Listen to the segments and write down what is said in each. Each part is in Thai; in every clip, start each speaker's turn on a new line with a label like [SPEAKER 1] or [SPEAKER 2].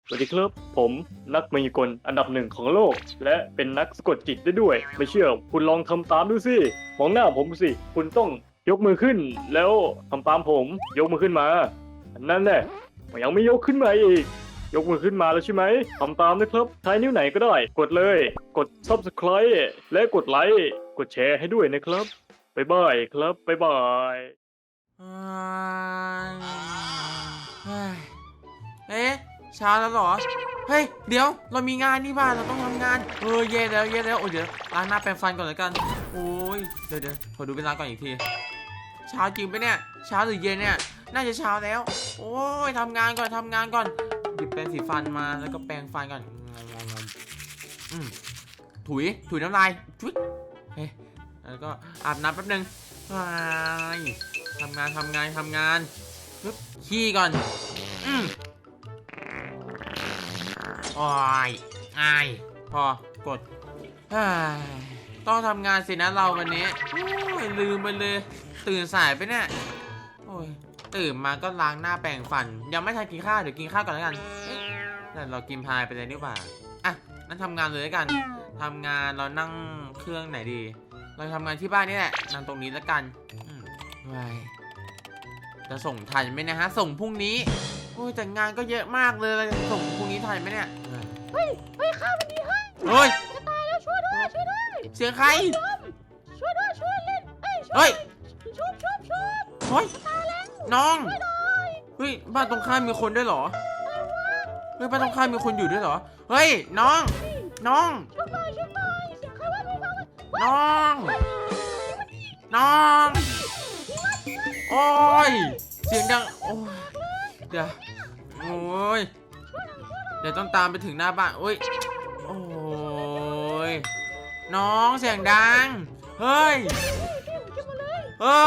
[SPEAKER 1] สวัสดีครับผมนักมายากลอันดับหนึ่งของโลก และเป็นนักสะกดจิตได้ด้วย ไม่เชื่อคุณลองทำตามดูสิมองหน้าผมสิคุณต้องยกมือขึ้น แล้วทำตามผมยกมือขึ้นมานั่นแหละยังไม่ยกขึ้นมาอีก ยกมือขึ้นมาแล้วใช่ไหมทำตามนะครับใช้นิ้วไหนก็ได้ กดเลยกด Subscribe และกดไลค์กดแชร์ให้ด้วยนะครับบ๊ายบายครับบ๊ายบาย
[SPEAKER 2] เฮ้ยเอ๊ะเช้าแล้วเหรอเฮ้ยเดี๋ยวเรามีงานนี่บ้านเราต้องทำงานเย็นแล้วโอ้ยเดี๋ยวล้างหน้าแปรงฟันก่อนแล้วกันโอ้ยเดี๋ยวขอดูเวลาก่อนอีกทีเช้าจริงปะเนี่ยเช้าหรือเย็นเนี่ยน่าจะเช้าแล้วโอ้ยทำงานก่อนหยิบแปรงสีฟันมาแล้วก็แปรงฟันก่อนถุยน้ำลายชุดเฮ้ยแล้วก็อาบน้ำแป๊บนึงทำงานปึ๊บขี้ก่อนโอ้ยพอกดต้องทำงานสินะเราวันนี้โอ้ยลืมไปเลยตื่นสายไปเนี่ยโอ้ยตื่นมาก็ล้างหน้าแปรงฟันยังไม่ทันกินข้าวเดี๋ยวกินข้าวก่อนแล้วกันแต่เรากินพายไปเลยดีกว่าอ่ะนั่นทำงานเลยแล้วกันทำงานเรานั่งเครื่องไหนดีเราทำงานที่บ้านนี่แหละนั่งตรงนี้แล้วกันจะส่งทันไหมนะฮะส่งพรุ่งนี้โอ้ยแต่งานก็เยอะมากเลยเราจะส่งพรุ่งนี้ทันไหมเนี่ย
[SPEAKER 3] เฮ้ยข้าวมันดีให้
[SPEAKER 2] เฮ้ย
[SPEAKER 3] จะตายแล้วช่วยด้วย
[SPEAKER 2] เสียงใคร
[SPEAKER 3] ช่วยเล่น
[SPEAKER 2] เฮ้ย
[SPEAKER 3] ชุบ
[SPEAKER 2] เฮ้ยน้องเฮ้ยบ้านตรงข้ามมีคนด้วยเหรอเฮ้ยบ้านตรงข้ามมีคนอยู่ด้วยเหรอเฮ้ยน้อง
[SPEAKER 3] ชุบหน่อยเสียงใครว่าไม่ฟัง
[SPEAKER 2] น้องโอ้ยเสียงดังโอ้ยเดี๋ยวโอ้ยเดี๋ยวต้องตามไปถึงหน้าบ้านโอ้ยน้องเสียงดังเฮ้ย
[SPEAKER 3] โอ้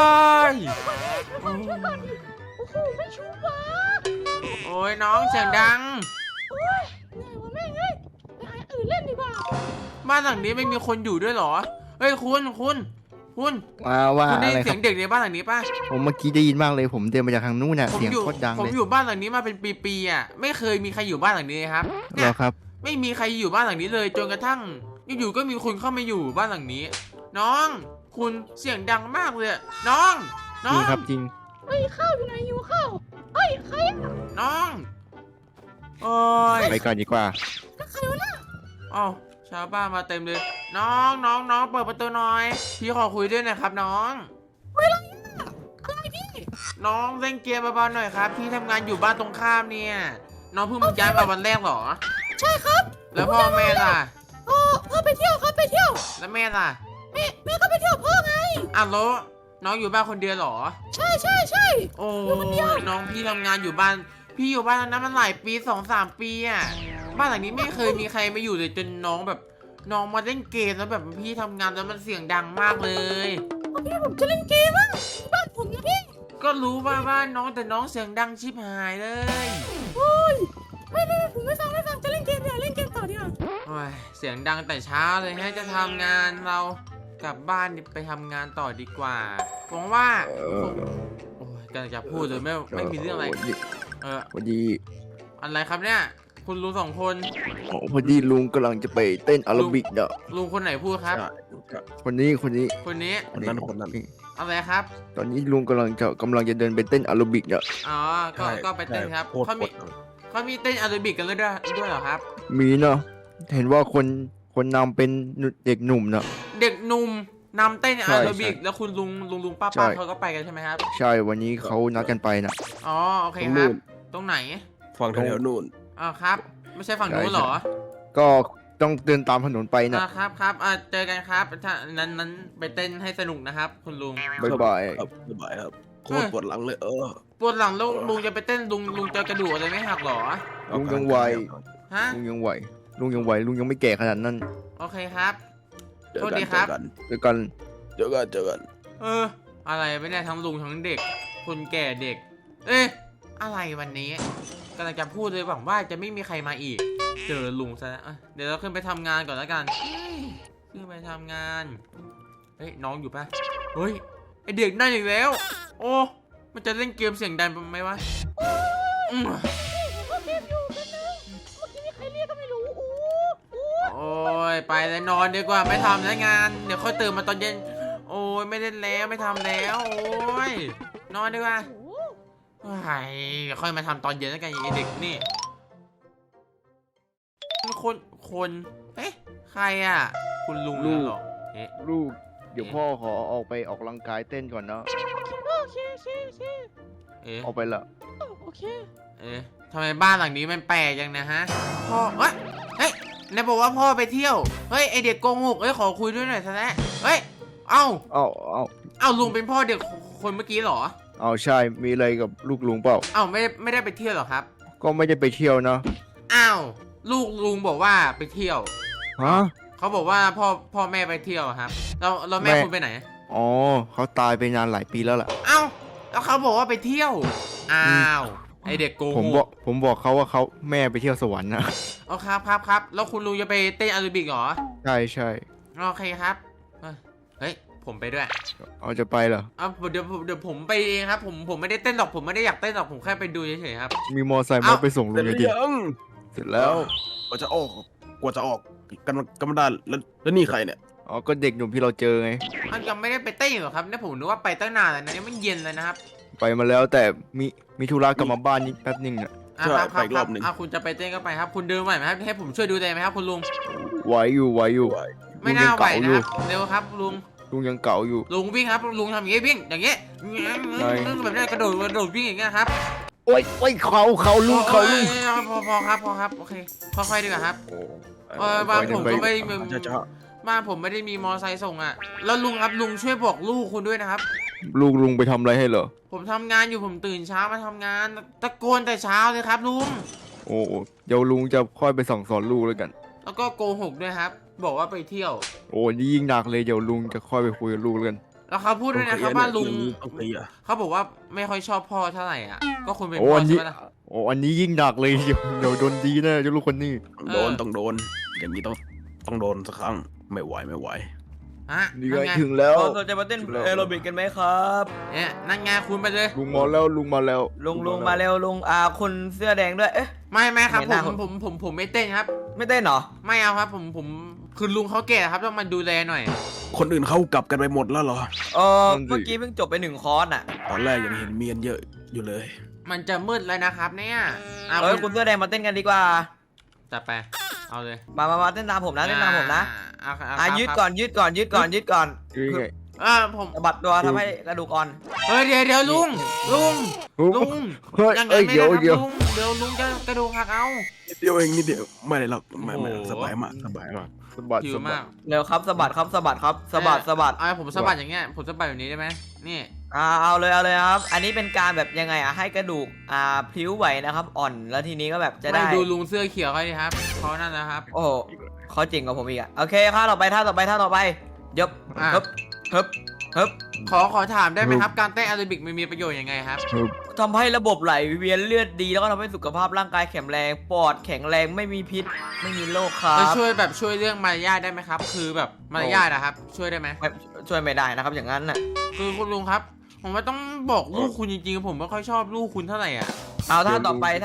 [SPEAKER 3] โหไม่ชุบวะ
[SPEAKER 2] โอ้ยน้องเสียงดัง
[SPEAKER 3] โอ้ยเหนื่อยว่ะแม่งเอ้ยไปหาอื่นเล่นดีกว่า
[SPEAKER 2] บ้านหลังนี้ไม่มีคนอยู่ด้วยเหรอเฮ้ยคุณ
[SPEAKER 4] ว่า
[SPEAKER 2] คุณได้
[SPEAKER 4] อะไร
[SPEAKER 2] เสียงเด็กในบ้านหลังนี้ป่ะ
[SPEAKER 4] ผมเมื่อกี้ได้ยินมากเลยผมเดินมาจากทางนู้นน่ะเสียงโคตรดังเลย
[SPEAKER 2] ผมอยู่บ้านหลังนี้มาเป็นปีๆอ่ะไม่เคยมีใครอยู่บ้านหลังนี้ครับ
[SPEAKER 4] เหรอครับ
[SPEAKER 2] ไม่มีใครอยู่บ้านหลังนี้เลยจนกระทั่งอยู่ๆก็มีคนเข้ามาอยู่บ้านหลังนี้น้องคุณเสียงดังมากเลยน้อง
[SPEAKER 4] จริงครับจริง
[SPEAKER 3] เฮ้ยข้าวอยู่ไหนอยู่ข้าวเฮ้ยใคร
[SPEAKER 2] น้องโอ้ย
[SPEAKER 4] ไปก่อนดีกว่า
[SPEAKER 3] ใครวะน่ะ
[SPEAKER 2] อ้าวชาวบ้านมาเต็มเลยน้องเปิดประตูหน่อยพี่ขอคุยด้วยนะครับน้อง
[SPEAKER 3] อะไรพี่
[SPEAKER 2] น้องเล่นเกมเบาๆหน่อยครับพี่ทำงานอยู่บ้านตรงข้ามเนี่ยน้องเพิ่งมาย้ายมาวันแรกเหรอ
[SPEAKER 3] ใช่ครับ
[SPEAKER 2] แล้วพ่อแม่ล่ะ
[SPEAKER 3] พ่อไปเที่ยวครับไปเที่ยว
[SPEAKER 2] แล้วแม่ล่ะ
[SPEAKER 3] แม่ก็ไปเที่ยวพ่อไง
[SPEAKER 2] อ้าวแล้วน้องอยู่บ้านคนเดียวเหรอ
[SPEAKER 3] ใช่
[SPEAKER 2] โอ้น้องพี่ทำงานอยู่บ้านพี่อยู่บ้านนั้นมันหลายปี2-3 ปีอ่ะบ้านหลังนี้ไม่เคยมีใครมาอยู่เลยจนน้องมาเล่นเกมแล้วแบบพี่ทำงานแล้วมันเสียงดังมากเลย
[SPEAKER 3] พี่ผมจะเล่นเกมบ้านผมนะพี่
[SPEAKER 2] ก็รู้ว่าบ้านน้องแต่น้องเสียงดังชิบหายเลย
[SPEAKER 3] โอ้ยไม่ผมไม่ฟังจะเล่นเกมเล่นเกมต่อดีกว่า
[SPEAKER 2] โอ้ยเสียงดังแต่เช้าเลยให้จะทำงานเรากลับบ้านไปทำงานต่อดีกว่าหวังว่าโอ้ยกำลังจะพูดเลยไม่มีเรื่องอะไร
[SPEAKER 4] พอดี
[SPEAKER 2] อะไรครับเนี่ยคุณลุง2 คน
[SPEAKER 4] พอดีลุงกำลังจะไปเต้นอาราบิกเนาะ
[SPEAKER 2] ลุงคนไหนพูดครับ
[SPEAKER 4] คนนี้
[SPEAKER 2] คนนั้นอะไรครับ
[SPEAKER 4] ตอนนี้ลุงกำลังจะเดินไปเต้นอาราบิกเนาะ
[SPEAKER 2] อ๋อก็ไปเต้นครับเขามีเต้นอาราบิกกันด้วยเหรอครับ
[SPEAKER 4] มีเนาะเห็นว่าคนนำเป็นเด็กหนุ่มเนาะ
[SPEAKER 2] เด็กหนุ่มนำเต้นอาราบิกแล้วคุณลุงป้าเขาก็ไปกันใช่ไหมครับ
[SPEAKER 4] ใช่วันนี้เขานัดกันไปนะ
[SPEAKER 2] อ๋อโอเคครับตรงไหน
[SPEAKER 5] ฝั่งแถวนู่น
[SPEAKER 2] ครับไม่ใช่ฝั่งนู้นหรอ
[SPEAKER 4] ก็ต้องเดินตามถนนไป
[SPEAKER 2] นะครับเจอกันครับถ้านั้นไปเต้นให้สนุกนะครับคุณลุง
[SPEAKER 4] บ๊ายบาย
[SPEAKER 5] ครับโคตรปวดหลังเลย
[SPEAKER 2] ปวดหลังแล้วลุงจะไปเต้นลุงจะกระดูกอะไรไม่หักหรอ
[SPEAKER 4] ลุงยังไหวลุงยังไม่แก่ขนาดนั้น
[SPEAKER 2] โอเคครับโทษดีครับ
[SPEAKER 4] เจอกัน
[SPEAKER 2] อะไรไม่ได้ทั้งลุงทั้งเด็กคนแก่เด็กอะไรวันนี้กำลังจะพูดเลยหวังว่าจะไม่มีใครมาอีกเจอลุงซะแล้วเดี๋ยวเราขึ้นไปทำงานก่อนแล้วกันขึ้นไปทำงานน้องอยู่ปะเฮ้ยไอเด็กนั่นอีกแล้วโอ้มันจะเล่นเกมเสียงดังไหมวะเลยนอนดีกว่าไม่ทำแล้วงานเดี๋ยวค่อยตื่นมาตอนเย็นโอ้ยไม่เล่นแล้วไม่ทำแล้วโอ้ยนอนดีกว่าเดี๋ยวค่อยมาทำตอนเย็นแล้วกันไอ้เด็กนี่คนเอ๊ะใครอ่ะคุณลุงนั่นเหรอเอ๊ะ
[SPEAKER 4] ลูกเดี๋ยวพ่อขอออกไปออกกำลังกายเต้นก่อนเนาะ
[SPEAKER 3] โอเคโอเคโอเค
[SPEAKER 2] เอ๊ะ
[SPEAKER 4] ออกไปละ
[SPEAKER 3] โอเค
[SPEAKER 2] เอ๊ะทำไมบ้านหลังนี้มันแปลกจังนะฮะพ่อเฮ้ยนายบอกว่าพ่อไปเที่ยวเฮ้ยไอเด็กโกหกขอคุยด้วยหน่อยซะแล้วเฮ้ยเอ้าลุงเป็นพ่อเด็กคนเมื่อกี้เหรอ
[SPEAKER 4] เอาใช่มีอะไรกับลูกลุงเปล่า
[SPEAKER 2] เอ้าไม่ได้ไปเที่ยวเหรอครับ
[SPEAKER 4] ก็ไม่ได้ไปเที่ยวเนาะ
[SPEAKER 2] อ้าวลูกลุงบอกว่าไปเที่ยว
[SPEAKER 4] ฮะ
[SPEAKER 2] เขาบอกว่าพ่อแม่ไปเที่ยวครับเราแม่
[SPEAKER 4] แม่
[SPEAKER 2] คุณไปไหน
[SPEAKER 4] อ๋อเขาตายไปนานหลายปีแล้วล่ะ
[SPEAKER 2] เอ้าแล้วเขาบอกว่าไปเที่ยวอ้าวไอเด็กโกห
[SPEAKER 4] ผมบอกเขาว่าเขาแม่ไปเที่ยวสวรรค์นะ
[SPEAKER 2] เอาครับแล้วคุณลุงจะไปเต้นแอโรบิกเหรอ
[SPEAKER 4] ใช่ใช่
[SPEAKER 2] โอเคครับเฮ้ยผมไปด้วย
[SPEAKER 4] เอาจะไปเหรอ
[SPEAKER 2] เอาเดี๋ยวผมไปเองครับผมไม่ได้เต้นหรอกผมไม่ได้อยากเต้นหรอกผมแค่ไปดูเฉยๆครับ
[SPEAKER 4] มีมอไซค์มา
[SPEAKER 2] เอ้า
[SPEAKER 4] ไปส่งลุ
[SPEAKER 5] เสร็จ
[SPEAKER 4] ง
[SPEAKER 5] ห
[SPEAKER 4] เลย
[SPEAKER 5] รือ
[SPEAKER 4] ดิ
[SPEAKER 5] ยัง
[SPEAKER 4] เสร็จแล้ว
[SPEAKER 5] กว่าจะออกกรรมการแล้วนี่ใครเนี่ย
[SPEAKER 4] อ๋อก็เด็กหนุ่มที่เราเจอไง
[SPEAKER 2] มันยังไม่ได้ไปเต้นหรอกครับเนี่ยผมนึกว่าไปตั้งนานแล้วนะยังไม่เย็นเลยนะครับ
[SPEAKER 4] ไปมาแล้วแต่มีธุระกลับมาบ้านนี่แป๊บนึงอ่ะ
[SPEAKER 5] ใช่
[SPEAKER 2] ครับ
[SPEAKER 5] ไปอีกรอบหนึ่ง
[SPEAKER 2] คุณจะไปเต้นก็ไปครับ คุณเดินไหวไหมครับให้ผมช่วยดูแลไหมครับคุณลุง
[SPEAKER 4] ไหวอยู่
[SPEAKER 2] ไม่น่าไหว
[SPEAKER 4] ลุงยัง
[SPEAKER 2] นะ
[SPEAKER 4] เก่าอยู่
[SPEAKER 2] เร็วครับลุง
[SPEAKER 4] ลุงยังเก่าอยู่
[SPEAKER 2] ลุงวิ่งครับลุงทำอย่างงี้วิ่งอย่างงี้แบบนี้กระโดดวิ่งอย่างเงี้ยครับ
[SPEAKER 4] โอ้ยเขาลูก
[SPEAKER 2] พอครับโอเคค่อยๆดีกว่าครับ
[SPEAKER 4] โอ้
[SPEAKER 2] บ้านผมก็ไม่
[SPEAKER 5] จะ
[SPEAKER 2] บ้านผมไม่ได้มีมอไซค์ส่งอ่ะแล้วลุงครับลุงช่วยบอกลูกคุณด้วยนะครับ
[SPEAKER 4] ลูกลุงไปทำอะไรให้เหรอ
[SPEAKER 2] ผมทำงานอยู่ผมตื่นเช้ามาทำงานตะโกนแต่เช้าเลยครับลุง
[SPEAKER 4] โอ้เดี๋ยวลุงจะค่อยไปสั่งสอนลูกแล้วกัน
[SPEAKER 2] แล้วก็โกหกด้วยครับ บอกว่าไปเที่ยว
[SPEAKER 4] โอ้นี่ยิ่งหนักเลยเดี๋ยวลุงจะค่อยไปคุยกับลูกแล้วกัน
[SPEAKER 2] แล้วเขาพูดด้วยนะครับว่าลุง
[SPEAKER 5] ต้องเคลียร์
[SPEAKER 2] เขาบอกว่าไม่ค่อยชอบพ่อเท่าไหร่อ่ะก็คุณเป็น
[SPEAKER 4] โอ้
[SPEAKER 2] พ่อ
[SPEAKER 4] อัน
[SPEAKER 2] ใช่
[SPEAKER 4] นี้
[SPEAKER 2] ไหมล่ะ
[SPEAKER 4] โอ้อันนี้ยิ่งหนักเลยเดี๋ยวโดนดีแน่เจ้าลูกคนนี้
[SPEAKER 5] ต้องโดนอย่างนี้ต้องโดนสักครั้งไม่ไหว
[SPEAKER 2] ฮะ
[SPEAKER 4] นี่
[SPEAKER 2] นั่
[SPEAKER 4] ไง
[SPEAKER 2] นไง
[SPEAKER 4] ถึงแล้ว
[SPEAKER 6] เราจะมาเต้นแอโรบิกกันไหมครับ
[SPEAKER 2] เนี่ยนั่นไงคุณไปเลย
[SPEAKER 4] ลุงมาแล้วลุงมาแล้ว
[SPEAKER 6] ลุงมาเร็วลุงคนเสื้อแดงด้วย เอ๊ะ
[SPEAKER 2] ไม่ครับ
[SPEAKER 6] ไม่น่า
[SPEAKER 2] ผมไม่เต้นครับ
[SPEAKER 6] ไม่เต้นเหรอ
[SPEAKER 2] ไม่เอาครับผมคือลุงเขาแก่ครับต้องมาดูแลหน่อย
[SPEAKER 5] คนอื่นเขากลับกันไปหมดแล้วเหรอ
[SPEAKER 6] เมื่อกี้เพิ่งจบไป1 คอร์สอ่ะ
[SPEAKER 5] ตอนแรกยังเห็นเมียนเยอะอยู่เลย
[SPEAKER 2] มันจะมืดแล้วนะครับเนี่ยเอา
[SPEAKER 6] คุณเสื้อแดงมาเต้นกันดีกว่า
[SPEAKER 2] จัดไปเอาเลย
[SPEAKER 6] มาเต้นตามผมนะเต้นตามผมนะ ยืด
[SPEAKER 2] ครับ
[SPEAKER 6] ก่อนยืดก่อน
[SPEAKER 4] นี่ไง
[SPEAKER 2] ผม
[SPEAKER 6] สะบัดตัวทำให้กระดูกอ่อน
[SPEAKER 2] เฮ้ยเดี๋ยวลุง
[SPEAKER 4] เฮ้ย
[SPEAKER 2] ยังไง
[SPEAKER 4] เอ้ย
[SPEAKER 2] ไม่
[SPEAKER 4] เดี๋
[SPEAKER 2] ได้
[SPEAKER 4] ยว
[SPEAKER 2] ครับลุงเดี๋ยวลุงจะกระดูกหักเอา
[SPEAKER 5] นิดเดียวเองนิดเดียวไม่ได้หรอกไม่
[SPEAKER 2] โอ้โห
[SPEAKER 5] สบายมาก
[SPEAKER 4] สะบัด
[SPEAKER 2] หิว
[SPEAKER 4] สะบั
[SPEAKER 2] มา
[SPEAKER 4] ด
[SPEAKER 2] ก
[SPEAKER 6] เร็วครับสะบัดครับสะบัดครับสะบัด
[SPEAKER 2] ผมสะบัดอย่างเงี้ยผมสะบัดแบบนี้ได้ไหมนี่
[SPEAKER 6] เอาเลยครับ อันนี้เป็นการแบบยังไงให้กระดูกพลิ้วไหวนะครับอ่อนแล้วทีนี้ก็แบบจะได้
[SPEAKER 2] ไม่ดูลุงเสื้อเขียวเขาดิครับเขานั่นนะครับ
[SPEAKER 6] โอ้โหเขาจริงกว่าผมอีกอะโอเคท่าต่อไปยบ
[SPEAKER 2] อ่ะ
[SPEAKER 6] ฮึบ
[SPEAKER 2] ขอถามได้ไหมครับการเต้นแอโรบิกมันมีประโยชน์ยังไงครับ
[SPEAKER 6] ทำให้ระบบไหลเวียนเลือดดีแล้วก็ทำให้สุขภาพร่างกายแข็งแรงปอดแข็งแรงไม่มีพิษไม่มีโรคครั
[SPEAKER 2] แล้ว
[SPEAKER 6] บ
[SPEAKER 2] ช่วยเรื่องมารยาทได้ไหมครับ คือแบบมารยาทนะครับ ช่วยได้ไหม
[SPEAKER 6] ไม่ช่วยไม่ได้นะครับอย่างนั้นน่ะ
[SPEAKER 2] คือคุณลุงครับ ผมว่าต้องบอกลูกคุณจริงๆผมไม่ค่อยชอบลูกคุณเท่าไหร่อ่ะ
[SPEAKER 6] เอาท่าต่อไป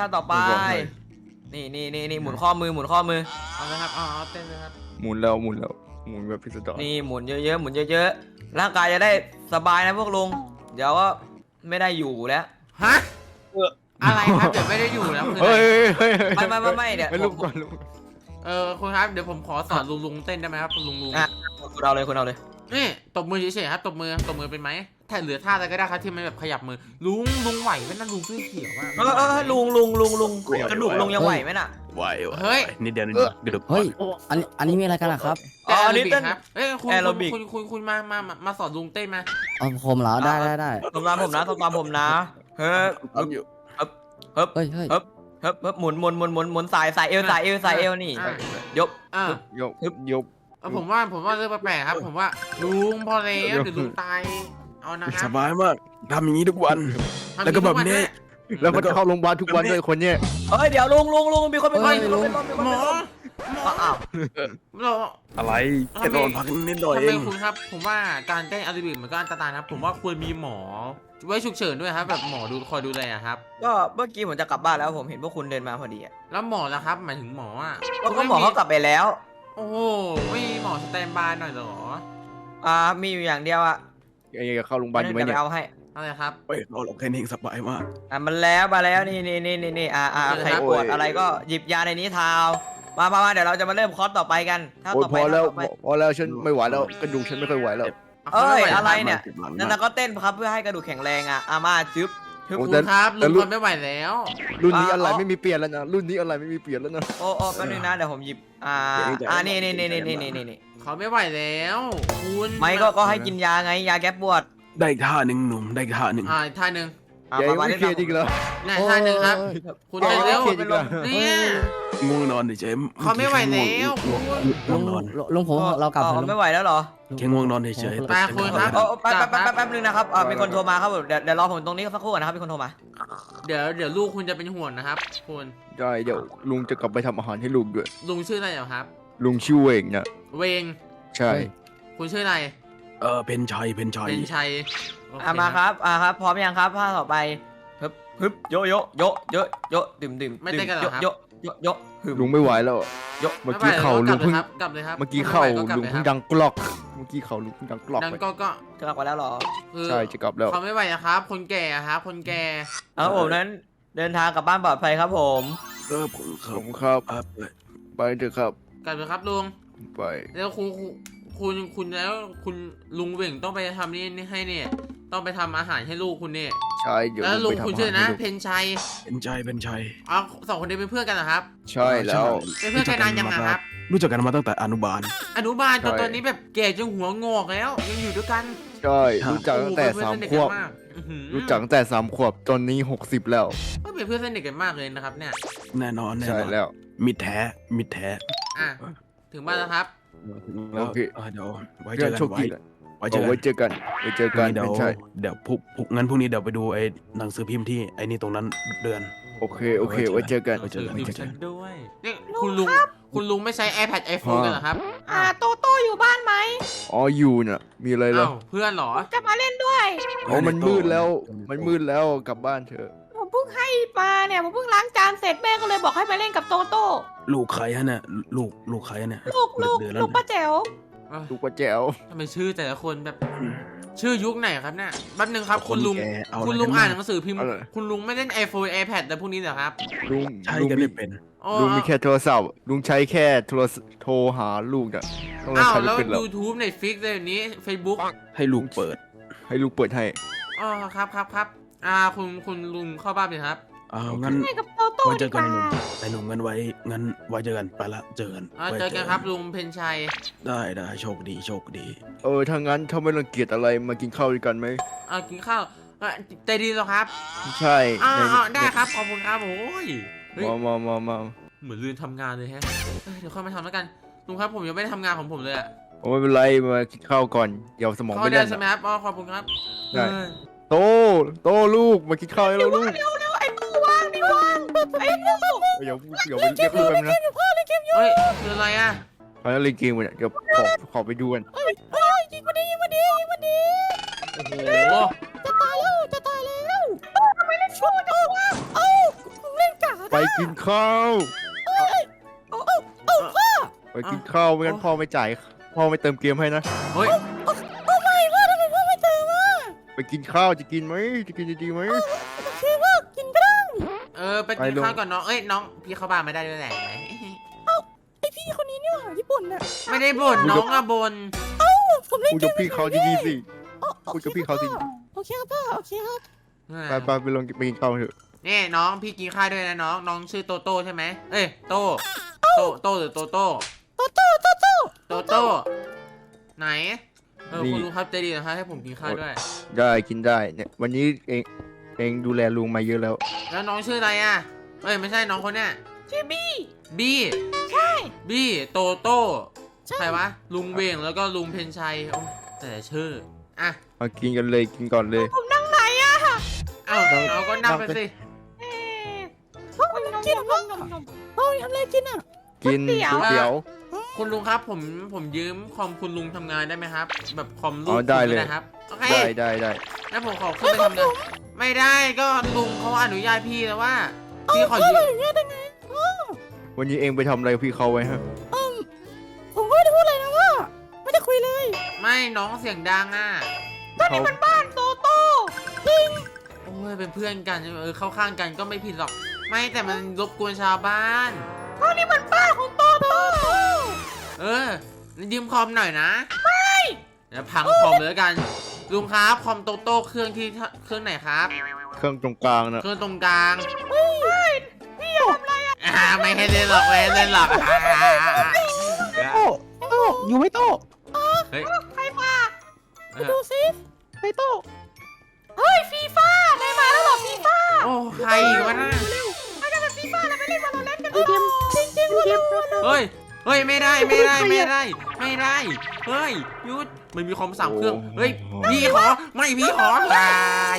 [SPEAKER 6] นี่หมุนข้อมือ
[SPEAKER 2] เอาเลยครับเอาเต้นเลยครับ
[SPEAKER 4] หมุนแล้วหมุนแบบพิสดาร
[SPEAKER 6] นี่หมุนเยอะๆหมุนเยอะๆร่างกายจะได้สบายนะพวกลุงเดี๋ยวก็ไม่ได้อยู่แล้ว
[SPEAKER 2] ฮะอะไรครับเดี๋ยวไม่ได้อยู่แล้วคือ
[SPEAKER 4] เฮ้ย
[SPEAKER 6] ไม่เดี๋ยว
[SPEAKER 4] ลูกก่อนลูก
[SPEAKER 2] คุณครับเดี๋ยวผมขอสอนลุงเต้นได้ไหมครับลุง
[SPEAKER 6] อ่ะคุณเอาเลย
[SPEAKER 2] นี่ตบมือเฉยๆครับตบมือเป็นไหมถ้าเหลือท่าอะไรก็ได้ครับที่มันแบบขยับมือลุงไหวไหมนั่นลุงเสื้อเขียวอ่ะ
[SPEAKER 6] ลุงกระดูกลุงยังไหวไหมน่ะ
[SPEAKER 5] ไหว
[SPEAKER 2] เฮ้ย
[SPEAKER 5] นิดเดียวกระดูก
[SPEAKER 7] เฮ้ย อันนี้มีอะไรกันล่ะครับ
[SPEAKER 6] อันนี้เต้น
[SPEAKER 2] ครับเอ้ยคุณ
[SPEAKER 6] แอโรบิก
[SPEAKER 2] คุณมาสอนลุงเต้นมา
[SPEAKER 7] เอาผมเหรอ ได้
[SPEAKER 6] ตบตามผมนะเฮ้ย
[SPEAKER 5] ทำอยู่
[SPEAKER 7] เฮ้ย
[SPEAKER 6] เฮ้ยหมุนสายเอวนี่
[SPEAKER 2] อ่ะ
[SPEAKER 6] ยก
[SPEAKER 4] ยก
[SPEAKER 2] ผมว่าเรื่องแปลกๆครับ ผมว่าลุงพอแล้วเดี๋ยวลุงตายเอานะค
[SPEAKER 5] ส
[SPEAKER 2] รับ
[SPEAKER 5] บายมากทำอย่างนี้ทุกวัน แล้วก็แบบนี้
[SPEAKER 4] แล้วก็เข้าโรงพยาบาลทุกวันด้วยคนเนี้ย
[SPEAKER 6] เฮ้ยเดี๋ยวลุงมีคนเป็นลม
[SPEAKER 2] หมอ
[SPEAKER 6] อ้าว
[SPEAKER 2] เรา
[SPEAKER 5] อะไรแค่นอนพักนิดหน่อย
[SPEAKER 2] ทำ
[SPEAKER 5] เอ
[SPEAKER 2] ไม
[SPEAKER 5] ง
[SPEAKER 2] คุณครับ ผมว่าการเต้นแอโรบิกมันก็อันตรายนะครับผมว่าควรมีหมอไว้ฉุกเฉินด้วยครับแบบหมอคอยดูแลครับ
[SPEAKER 6] ก็เมื่อกี้ผมจะกลับบ้านแล้วผมเห็นพวกคุณเดินมาพอดีอ่ะ
[SPEAKER 2] แล้วหมอล่ะครับหมายถึงหมออ่ะ
[SPEAKER 6] ก็หมอเขากลับไปแล้ว
[SPEAKER 2] โอ้โอ้โหไม่มีหมอสแตนบายหน่อยเหรอ
[SPEAKER 6] มีอยู่อย่างเดียวอะ
[SPEAKER 4] ไอ้เข้าโรงพยาบาลอยู่ไหม
[SPEAKER 6] เดี๋ยว
[SPEAKER 4] เนี่
[SPEAKER 6] ไป
[SPEAKER 4] ย
[SPEAKER 6] เอาให้
[SPEAKER 2] อะไรครับ
[SPEAKER 5] เฮ้ยเราแค่นี้เองสบายมาก
[SPEAKER 6] มันแล้วมาแล้วนี่ใครปวดอะไรก็หยิบยาในนี้ทาวมาเดี๋ยวเราจะมาเริ่มคอร์สต่อไปกันถ้า
[SPEAKER 4] โอ้ย
[SPEAKER 6] ต่อ
[SPEAKER 4] พ
[SPEAKER 6] ไป
[SPEAKER 4] อแล้ว
[SPEAKER 6] ถ้าต่อไป
[SPEAKER 4] พอแล้วฉันไม่ไหวแล้วกระดูกฉันไม่ค่อยไหวแล้ว
[SPEAKER 6] เอ้ย
[SPEAKER 2] า
[SPEAKER 6] อะไร
[SPEAKER 2] ม่หว
[SPEAKER 6] เนี่ย
[SPEAKER 5] หลัง
[SPEAKER 6] นั่นก็เต้นครับเพื่อให้กระดูกแข็งแรงอะมาจึ๊บ
[SPEAKER 4] โอ้
[SPEAKER 2] ลุ
[SPEAKER 4] แต่
[SPEAKER 2] งครับ
[SPEAKER 4] แต่
[SPEAKER 2] ลุง
[SPEAKER 4] รุ่
[SPEAKER 2] ท
[SPEAKER 4] น
[SPEAKER 2] นไม่ไหวแล้ว
[SPEAKER 4] รุ่นนี้อะไรไม่มีเปลี่ยนแล้วนะรุ่นนี้อะไรไม่มีเปลี่ยนแล้วนะ
[SPEAKER 6] โอ้แป๊บนึงนะเดี๋ยวผมหยิบนี่
[SPEAKER 2] เขาไม่ไหวแล้วคุณ
[SPEAKER 6] ไม่ก็ให้กินยาไงยาแก้ปวด
[SPEAKER 5] ได้อีกท่าหนึ่งหนุ่มได้อีกท่าหนึ่ง
[SPEAKER 2] อีกท่าหนึ่ง
[SPEAKER 4] ใหญ่ไม่เคลียร์จริงเหรอ
[SPEAKER 2] นี่ท่าหนึ่งครับ คุณไปเร็ว
[SPEAKER 4] โอ้ยเคลียร์จริงเหรอ
[SPEAKER 2] เนี่ย
[SPEAKER 5] ง่วงนอนดิเจม
[SPEAKER 2] เขาไม่ไหวแล้ว
[SPEAKER 7] ลุงลุงผมเรากลับเถอะลุง
[SPEAKER 6] ไม่ไหวแล้วเหรอ
[SPEAKER 5] แค่ง่วงนอนเฉยๆ
[SPEAKER 2] ไปคุณครับ
[SPEAKER 6] แป๊บนึงนะครับมีคนโทรมาครับเดี๋ยวรอผมตรงนี้สักครู่นะครับมีคนโทรมา
[SPEAKER 2] เดี๋ยวลูกคุณจะเป็นห่วงนะครับคุณ
[SPEAKER 4] ได้เดี๋ยวลุงจะกลับไปทำอาหารให้ลุงด้วย
[SPEAKER 2] ลุงชื่ออะไรเหรอครับ
[SPEAKER 4] ลุงชื่อเวงนะ
[SPEAKER 2] เวง
[SPEAKER 4] ใช่
[SPEAKER 2] คุณชื่ออะไร
[SPEAKER 5] เพนชัย
[SPEAKER 2] เป็นชัยโอเค
[SPEAKER 6] มาครับพร้อมยังครับภาคต่อไปฮึบโยดื่มโยฮึบ
[SPEAKER 4] ลุงไม่ไหวแล้ว
[SPEAKER 6] โย
[SPEAKER 4] เมื่อกี้เข่าลุงเพิ่ง
[SPEAKER 2] กลับเลยครับ
[SPEAKER 4] เมื่อกี้เข่า
[SPEAKER 2] ไม่ไหวก็กลับ
[SPEAKER 4] ลุง
[SPEAKER 2] เลย
[SPEAKER 4] เพิ่ง
[SPEAKER 2] ครับ
[SPEAKER 4] ดังกลอกเมื่อกี้เข่าลุงเพิ่งดังกลอก
[SPEAKER 2] ดัง
[SPEAKER 4] ไป
[SPEAKER 2] ก็
[SPEAKER 6] กลับมาแล้วเหรอ
[SPEAKER 2] คือ
[SPEAKER 4] ใช่จะกลับแล้ว
[SPEAKER 2] เขาไม่ไหวนะครับ คนแก่ครับ คนแก่
[SPEAKER 6] ผมนั้นเดินทางกลับบ้านปลอดภัยครับผม
[SPEAKER 5] ผมค
[SPEAKER 4] ผ
[SPEAKER 5] รับ
[SPEAKER 4] มครับ
[SPEAKER 5] ครับ
[SPEAKER 4] ไปเถอะครับ
[SPEAKER 2] กลับเลยครับลุง
[SPEAKER 4] ไป
[SPEAKER 2] แล้วคุณแล้วคุณลุงเหว่งต้องไปทำนี่ให้เนี่ย ต้องไปทำอาหารให้ลูกคุณเนี่ย
[SPEAKER 4] ใช่เดี๋ยว
[SPEAKER 2] แล้วลุง
[SPEAKER 4] ไปทำ
[SPEAKER 2] คุณชื่อ
[SPEAKER 4] อา
[SPEAKER 2] นะ
[SPEAKER 4] หารให้
[SPEAKER 2] เพนชัย
[SPEAKER 5] เป็นชัย
[SPEAKER 2] อ๋อสองคนนี้เป็นเพื่อนกันเหรอครับ
[SPEAKER 4] ใช่แล้ว
[SPEAKER 2] เป็นเพื่อนกันนานยังอะครับ
[SPEAKER 5] รู้จักกันมาตั้งแต่อนุบาล
[SPEAKER 2] อนุบาลจน
[SPEAKER 4] ใช่
[SPEAKER 2] ตอนนี้แบบแก่จนหัวงอกแล้ว ยังอยู่ด้วยกัน
[SPEAKER 4] ใช่รู้จักตั้งแต่
[SPEAKER 2] โอ้โห
[SPEAKER 4] สาม
[SPEAKER 2] เป็น
[SPEAKER 4] ข
[SPEAKER 2] เพื่อนสนิท
[SPEAKER 4] วบ
[SPEAKER 2] กันมากอื้อหือ
[SPEAKER 4] รู้จักตั้งแต่3 ขวบตอนนี้60แล้ว
[SPEAKER 2] ก็เป็นเพื่อนสนิทกันมากเลยนะครับเนี่ย
[SPEAKER 5] แน่นอน
[SPEAKER 4] ใช่แล้ว
[SPEAKER 5] มิดแท้มิดแท้
[SPEAKER 2] อ่ะถึงบ้านแล้วครับ
[SPEAKER 4] โอเค
[SPEAKER 5] เดี๋ยวไว้เจ
[SPEAKER 4] เพื่อ
[SPEAKER 5] อน กัน
[SPEAKER 4] โชคดีแหละ
[SPEAKER 5] ไว้เจอ
[SPEAKER 4] เอา
[SPEAKER 5] กัน
[SPEAKER 4] ไว้เจอกันไว้เจอกัน
[SPEAKER 5] เดี๋ยว
[SPEAKER 4] ไม่ใช่
[SPEAKER 5] เดี๋ยวงั้นพรุ่งนี้เดี๋ยวไปดูไอ้หนังสือพิมพ์ที่ไอ้นี่ตรงนั้นเดือน
[SPEAKER 4] โอเคไว้เจอกัน
[SPEAKER 5] ไว้เจอกัน
[SPEAKER 2] ดื่มฉันด้วยนี่คุณลุงไม่ใช้ iPad iPhone กันเหรอครับ
[SPEAKER 3] โตโต้อยู่บ้านไหม
[SPEAKER 4] อ๋ออยู่น่ะมีอะไรแล้ว
[SPEAKER 2] อ้าวเพื่อนเหรอ
[SPEAKER 3] จะมาเล่นด้วย
[SPEAKER 4] อ๋อมันมืดแล้วกลับบ้านเถอะ
[SPEAKER 3] ผมเพิ่งให้มาเนี่ยผมเพิ่งล้างจานเสร็จแม่ก็เลยบอกให้มาเล่นกับโตโต้
[SPEAKER 5] ลูกใครฮะเนี่ยลูกใครฮะเนี่ย
[SPEAKER 3] ลูก
[SPEAKER 5] เดือนแล้ว
[SPEAKER 3] ลูกป้าแจ๋ว
[SPEAKER 4] ลูกป้าแจ๋ว
[SPEAKER 2] ทำไมชื่อแต่ละคนแบบ ชื่อยุคไหนครับเนี่ยแป๊บนึงครับ
[SPEAKER 5] น
[SPEAKER 2] คุณลุง
[SPEAKER 5] แก่เะไร
[SPEAKER 2] คุณลุง
[SPEAKER 5] กั
[SPEAKER 2] อ่าน
[SPEAKER 5] ม
[SPEAKER 2] หนังสือพิมพ์ คุณลุงไม่เล่น iPhone iPad แต่พวกนี้เหรอครับ
[SPEAKER 4] ลุง
[SPEAKER 5] ใช่
[SPEAKER 4] ลุง
[SPEAKER 5] กัน
[SPEAKER 4] มี
[SPEAKER 5] ไม่เป็น
[SPEAKER 2] อ๋อ
[SPEAKER 4] ลุงมีแค่โทรศัพท์ลุงใช้แค่โทรหาลูกน่ะต้อง
[SPEAKER 2] อ้าว
[SPEAKER 4] ใช้
[SPEAKER 2] แล้ว
[SPEAKER 4] เป็นแล้ว
[SPEAKER 2] YouTube Netflix อะไรแบบนี้ Facebook
[SPEAKER 5] ให้ลูกเปิด
[SPEAKER 4] ให้ลูกเปิดให้
[SPEAKER 2] อ๋อครับคุณลุงเข้าบ้านเลยครับ
[SPEAKER 5] งั้น
[SPEAKER 3] เล่นกับโตโต้
[SPEAKER 5] ไว้เจ
[SPEAKER 3] ดี
[SPEAKER 5] อก กัน
[SPEAKER 3] ว่า
[SPEAKER 5] ไอ้หนุ่มงั้นไว้เจอกันไปละเจอกัน
[SPEAKER 2] อ๋อ
[SPEAKER 5] ไว้
[SPEAKER 2] เจอกันครับลุงเพนชัย
[SPEAKER 5] ได้โชคดี
[SPEAKER 4] ถ้างั้นถ้าไม่รังเกียจอะไรมากินข้าวด้วยกันไหม
[SPEAKER 2] กินข้าวใจดีเหรอครับ
[SPEAKER 4] ใช่
[SPEAKER 2] ได้ครับขอบคุณครับโอ้ยเฮ้ย
[SPEAKER 4] มา
[SPEAKER 2] เหมือนลืมทำงานเลยแฮะเดี๋ยวค่อยมาทำแล้วกันลุงครับผมยังไม่ได้ทำงานของผมเลยอะ
[SPEAKER 4] โอ้ไม่เป็นไรมากินข้าวก่อนเดี๋ยวสมอง
[SPEAKER 2] เข้า
[SPEAKER 4] ไม่
[SPEAKER 2] ได้
[SPEAKER 4] เล่น
[SPEAKER 2] ใช่ไหม
[SPEAKER 4] อะ
[SPEAKER 2] ครับอ๋อขอบคุณครับ
[SPEAKER 4] ได้
[SPEAKER 2] เออ
[SPEAKER 4] โตลูกมากินข้าวให้เราลูก
[SPEAKER 3] เร็วไอ้ตู้วางดิวางไอ้ลูก
[SPEAKER 4] เดี๋ยวไปเรียกลูกกันนะ
[SPEAKER 2] เฮ้ยคืออะไรอะ
[SPEAKER 4] เขาจะเล่นเกมกันเนี่ยเดี๋ยวขอไปดูกัน
[SPEAKER 3] ยิงมาดิยิงมาดิยิงมาดิ
[SPEAKER 2] โอ้โห
[SPEAKER 3] จะตายแล้วทำไมเล่นชั่วจังวะผมเล่นกา
[SPEAKER 4] ไปกินข้าว
[SPEAKER 3] พ่อ
[SPEAKER 4] ไปกินข้าวไม่งั้นพ่อไม่จ่ายพ่อไม่เติมเกมให้นะ
[SPEAKER 2] เฮ้ย
[SPEAKER 3] ทำไมพ่อไม่เจอวะ
[SPEAKER 4] ไปกินข้าวจะกินไหมจะกินดีๆไหม
[SPEAKER 3] โอเคพ่อกินก็ได้
[SPEAKER 2] ไปกินข้าวก่อนน้องน้องพี่เข้าบ้านไม่ได้ด้วยแหละ
[SPEAKER 3] ไอพี่คนนี้เนี่ยญี่ปุ่นน่ะ
[SPEAKER 2] ไม่ได้บ่นน้องอะบ่น
[SPEAKER 3] ผมเล่น
[SPEAKER 4] พูด
[SPEAKER 3] เก
[SPEAKER 4] กับ
[SPEAKER 3] ม
[SPEAKER 4] พี่เขาดีๆสิ คุยกับพี่เขาสิ
[SPEAKER 3] โอเคครับพ่อโอเคครับ
[SPEAKER 4] ไปลงไปกินข้าวเถอะ
[SPEAKER 2] นี่น้องพี่กินข้าวด้วยนะน้องชื่อโตโต้ใช่ไหมเอ้ยโตหรือโตโต้โตโต้ไหนคุณลุงครับใจดีนะครับให้ผมกินข้าวด้วย
[SPEAKER 4] ได้กินได้เนี่ยวันนี้เองดูแลลุงมาเยอะแล้ว
[SPEAKER 2] แล้วน้องชื่ออะไรอ่ะไม่ใช่น้องคนเนี้ย
[SPEAKER 3] ชื่อบี้
[SPEAKER 2] บี้
[SPEAKER 3] ใช่
[SPEAKER 2] บี้โตโต้ใครวะลุงเวงแล้วก็ลุงเพนชัยโอ้แต่ชื่ออ่ะ
[SPEAKER 4] มากินกันเลยกินก่อนเลย
[SPEAKER 3] ผมนั่งไหนอะ
[SPEAKER 2] เอ้าเราก็นั่งไปสิ
[SPEAKER 3] พ่อมันกินพ่อพ่อทำอะไรกินอ่ะ
[SPEAKER 4] กินก๋วยเตี๋ยว
[SPEAKER 2] คุณลุงครับผมยืมคอมคุณลุงทำงานได้ไหมครับ แบบคอมลู
[SPEAKER 4] อ๋
[SPEAKER 2] ก
[SPEAKER 4] อได้เลย
[SPEAKER 2] นะครับโอเค
[SPEAKER 4] ได้
[SPEAKER 2] แล้วผมขอขึ้นไปทำงานไม่ได้ก็ลุงเขาอนุญาตพี่แล้วว่าพี่ขอยืม
[SPEAKER 3] อย่างเงี้ยได้ไง
[SPEAKER 4] วันนี้เองไปทำอะไรกับพี่เขาไว้ฮะ
[SPEAKER 3] ผม
[SPEAKER 2] ไม่น้องเสียงดังอ่ะ
[SPEAKER 3] ก็นี่มันบ้านโตโต้จริง
[SPEAKER 2] โอ้ยเป็นเพื่อนกันเข้าข้างกันก็ไม่ผิดหรอก ไม่แต่มันรบกวนชาวบ้าน
[SPEAKER 3] ก็นี่มันบ้านของโตโต้
[SPEAKER 2] ยืมคอมหน่อยนะไม่เดี๋ยวพังคอมเลยแล้วกันลุงครับคอมโตโต้เครื่องไหนครับ
[SPEAKER 4] เครื่องตรงกลางนะ
[SPEAKER 2] เครื่องตรงกลาง
[SPEAKER 3] พี่อย่าทำอะไรอ่ะ
[SPEAKER 2] ไม่ให้เล่นหรอกไม่ให้เล่นหรอก
[SPEAKER 7] โต้อยู่ไหม่โต้
[SPEAKER 2] เฮ้ย
[SPEAKER 3] ใครมา
[SPEAKER 2] เอ
[SPEAKER 3] ดู
[SPEAKER 2] อ
[SPEAKER 3] สิไปโต้เฮ้ยฟีฟ่านายมาแล้วเหรอฟีฟ่า
[SPEAKER 2] โอ้ใครอีกวะน่ะ
[SPEAKER 3] ไปกันแบบฟีฟ่าแล้วไปเล่นวาโลแรนต์กันจริงจริงๆเกม
[SPEAKER 2] เฮ้ยไม่ได้เฮ้ยหยุดมันมีคอม3 เครื่องเฮ้ยพี่ขอพี่ขอลาย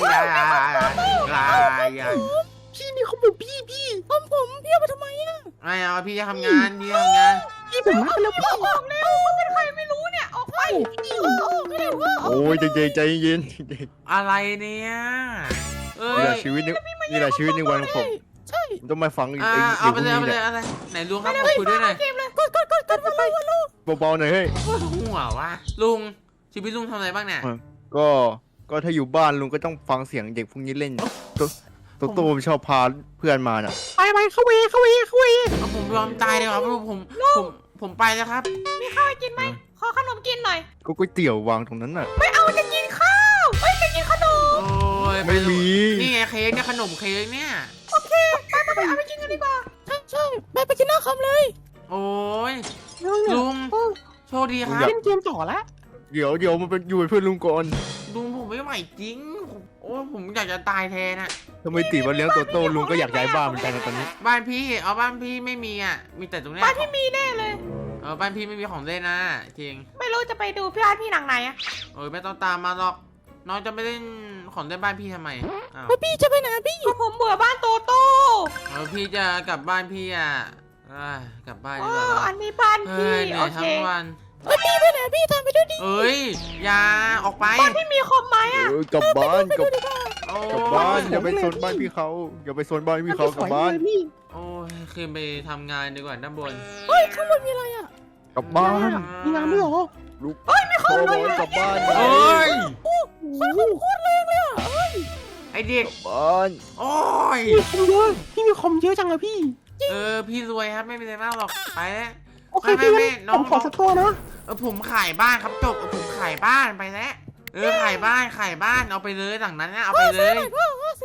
[SPEAKER 3] พี่นี่เขาบอกพี่ผมพี่เอาไปทำไมอ่ะ
[SPEAKER 2] ไม่เอาพี่จะทำงาน
[SPEAKER 3] พี่ผมมาแล้วพี่ออกเร็วเขาเป็นใครไม่รู้เนี่ยออกไปพี่ออกไม่ได้ว่า
[SPEAKER 4] โอ้ยใจเย็น
[SPEAKER 2] อะไรเนี่ยเอ้
[SPEAKER 4] นี่แห
[SPEAKER 2] ย
[SPEAKER 4] ละชีวิตนี่แหละชีวิตในวันของผม
[SPEAKER 3] ใช่
[SPEAKER 4] ต้องมาฟังไอ้
[SPEAKER 2] เอาไป
[SPEAKER 4] พวก
[SPEAKER 2] เลย
[SPEAKER 4] นี้เนี่ย
[SPEAKER 2] อะไรไหนลุงครับขอคุยด้วยหน่อย
[SPEAKER 3] เกมเลยกดไปลูก
[SPEAKER 4] เบาๆหน่อยเฮ้ย
[SPEAKER 2] หัววะลุงชีวิตลุงทำอะไรบ้างเนี่ย
[SPEAKER 4] ก็ถ้าอยู่บ้านลุงก็ต้องฟังเสียงเด็กพวกนี้เล่นโตชอบพาเพื่อนมาน่ะ
[SPEAKER 3] ไปเข้าเว
[SPEAKER 2] เอาผมยอมตายเลยครับผมไปแล้วครับ
[SPEAKER 3] มีข้าวให้กินไหมขอขนมกินหน่อย
[SPEAKER 4] ก็ก๋วยเตี๋ยววางตรงนั้นน่ะ
[SPEAKER 3] ไม่เอาจะกินข้าวจะกินขนม
[SPEAKER 2] โอ้ย
[SPEAKER 4] ไม่มี
[SPEAKER 2] นี่ไงเค้กเนี่ยขนมเค้กเนี่ย
[SPEAKER 3] โอเคไปเอาไปกินกันดีกว่าใช่ไปกินหน้าคอมเลย
[SPEAKER 2] โอ้ยลุงโชคดีครับ
[SPEAKER 3] เล่นเกมต่อแล้ว
[SPEAKER 4] เดี๋ยวมันเป็นอยู่เป็นเพื่อนลุงก่อน
[SPEAKER 2] ลุงผมไม่ไหวจริงโอ้ยผมอยากจะตายแทนอะ
[SPEAKER 4] ทำไมตีมาเลี้ยงโตลุงก็อยากย้ายบ้านเหมือนกันนะตอนนี้
[SPEAKER 2] บ้านพี่บ้านพี่ไม่มีอ่ะมีแต่ตรงเนี้ย
[SPEAKER 3] บ้านพี่มีแน่เลย
[SPEAKER 2] บ้านพี่ไม่มีของเล่นนะจริง
[SPEAKER 3] ไม่รู้จะไปดูพี่อาร์ตพี่หนังไหนอะ
[SPEAKER 2] ไม่ต้องตามมาหรอกน้องจะไม่เล่นของเล่นบ้านพี่ทำไมอ้าว
[SPEAKER 3] พี่จะไปไหนพี่ผมเบื่อบ้านโตโต้
[SPEAKER 2] พี่จะกลับบ้านพี่อ่ะกลับบ้านดีกว่า
[SPEAKER 3] อันนี้บ้านพี่
[SPEAKER 2] เหนื่
[SPEAKER 3] โอ
[SPEAKER 2] อย
[SPEAKER 3] เค
[SPEAKER 2] ทั้งวัน
[SPEAKER 3] พี่ไปไหนพี่ตามไปด้วยดิ
[SPEAKER 2] เอ้ยอย่าออกไป
[SPEAKER 3] บ้านพี่มีคอมไหมอะ
[SPEAKER 4] กลับบ้านกลับ
[SPEAKER 2] โอ้
[SPEAKER 4] บ้านอย่าไปโซนบ้านพี่เขาอย่าไปโซนบ้านพี่เขากลับบ้าน
[SPEAKER 2] โอ้ยขึ้นไปทำงานดีกว่าด้านบน
[SPEAKER 3] เฮ้ยข้างบนมีอะไรอะ
[SPEAKER 4] กลับบ้าน
[SPEAKER 2] มีงานไม่หรอ
[SPEAKER 4] ลูกขอบอกกลับบ้าน
[SPEAKER 2] เอ้ย
[SPEAKER 3] โคตรแรงเลยอะ
[SPEAKER 2] ไอเด็ก
[SPEAKER 4] บ้าน
[SPEAKER 2] โอ้ย
[SPEAKER 3] พี่มีคอมเยอะจังเลยพี่
[SPEAKER 2] พี่รวยครับไม่เป็นไรมากหรอกไปแล้ว
[SPEAKER 3] โอเค
[SPEAKER 2] ไม่น้อง
[SPEAKER 3] ผมขอสักโทษนะ
[SPEAKER 2] ผมขายบ้านครับจบผมขายบ้านไปแล้วขายบ้านเอาไปเลยหลังนั้นนะเอาไปเลย
[SPEAKER 3] ซื้